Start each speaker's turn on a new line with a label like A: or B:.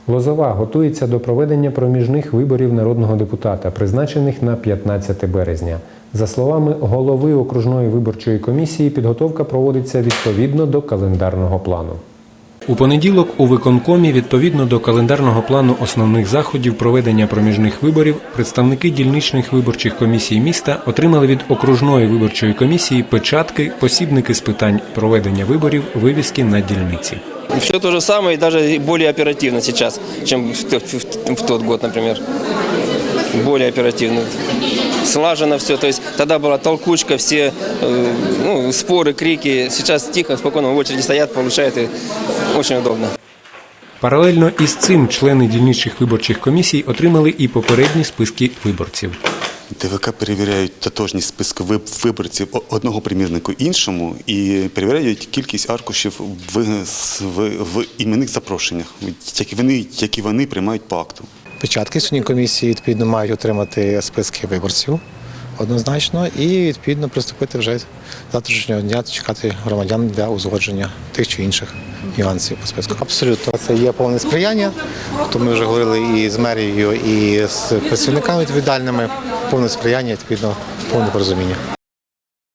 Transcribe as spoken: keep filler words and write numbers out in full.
A: Лозова готується до проведення проміжних виборів народного депутата, призначених на п'ятнадцяте березня. За словами голови окружної виборчої комісії, підготовка проводиться відповідно до календарного плану. У понеділок у виконкомі відповідно до календарного плану основних заходів проведення проміжних виборів представники дільничних виборчих комісій міста отримали від окружної виборчої комісії печатки, посібники з питань проведення виборів, вивіски на дільниці.
B: Все то же самое и даже более оперативно сейчас, чем в тот, в тот год, например. Более оперативно. Слажено все. То есть тогда была толкучка, все ну, споры, крики. Сейчас тихо, спокойно в очереди стоят, получают, и очень удобно.
A: Паралельно із цим члени дільничних виборчих комісій отримали і попередні списки виборців.
C: ДВК перевіряють тотожність списку виборців одного примірнику іншому і перевіряють кількість аркушів в, в, в іменних запрошеннях, які вони, які вони приймають по акту.
D: Печатки сьогодні комісії відповідно мають отримати списки виборців однозначно і відповідно приступити вже з завтрашнього дня чекати громадян для узгодження тих чи інших нюансів по списку. Абсолютно. Це є повне сприяння, то ми вже говорили і з мерією, і з працівниками відповідальними, повне сприяння, відповідно, повне порозуміння.